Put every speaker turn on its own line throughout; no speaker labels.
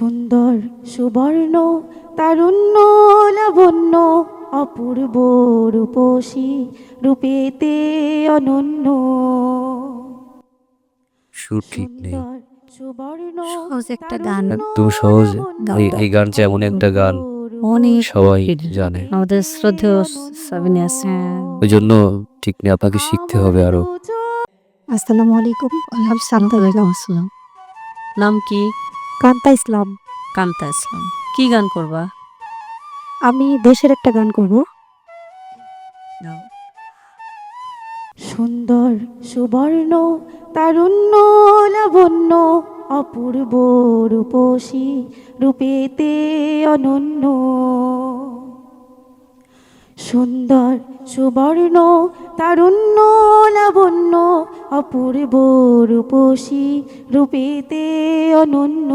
সুন্দর সুবর্ণ তারুণ্য লাবণ্য অপূর্ব রূপসী রূপেতে অনন্য।
সুর ঠিক নেই।
সুন্দর সুবর্ণ
সহজ একটা গান,
একদম সহজ। এই গানটা এমন একটা গান
অনেক
সবাই জানে,
আমাদের শ্রদ্ধেয় সাবিনা আছে।
ওই জন্য ঠিক নেই, আপনাকে শিখতে হবে আরো।
আসসালামু আলাইকুম। আলহামদুলিল্লাহ। আসসালাম।
নাম কি?
কান্তা ইসলাম।
কান্তা ইসলাম। কি গান করবা?
আমি দেশের একটা গান করব।
সুন্দর সুবর্ণ তারুণ্য লাবণ্য অপূর্ব রূপসী রূপেতে অনন্য। সুন্দর সুবর্ণ তারুণ্য লাবণ্য অপূর্ব রূপসী রূপেতে অনন্য।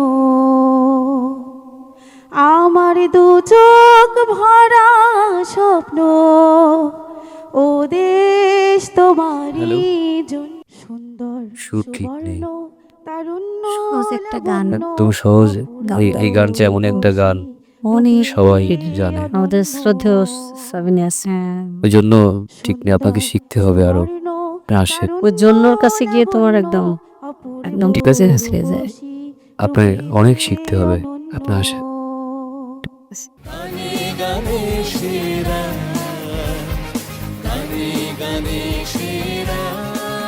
আমার দু চোখ ভরা স্বপ্ন ও দেশ তোমারই জন্য। সুন্দর
সুর ঠিক নেই।
সুবর্ণ তারুণ্য
সহজ একটা গান,
একদম সহজ। এই গানটা এমন একটা গান
অনেক
সবাই জানে,
আমাদের শ্রদ্ধেয় সাবিনা আছে।
ওই জন্য ঠিক নেই, আপনাকে শিখতে হবে আরো। আসেন,
ওই জন্যর কাছে গিয়ে তোমার একদম একদম
ঠিক আছে,
ছেড়ে যায়।
আপনার অনেক শিখতে হবে। আপনি আসেন।
গানে গানে সেরা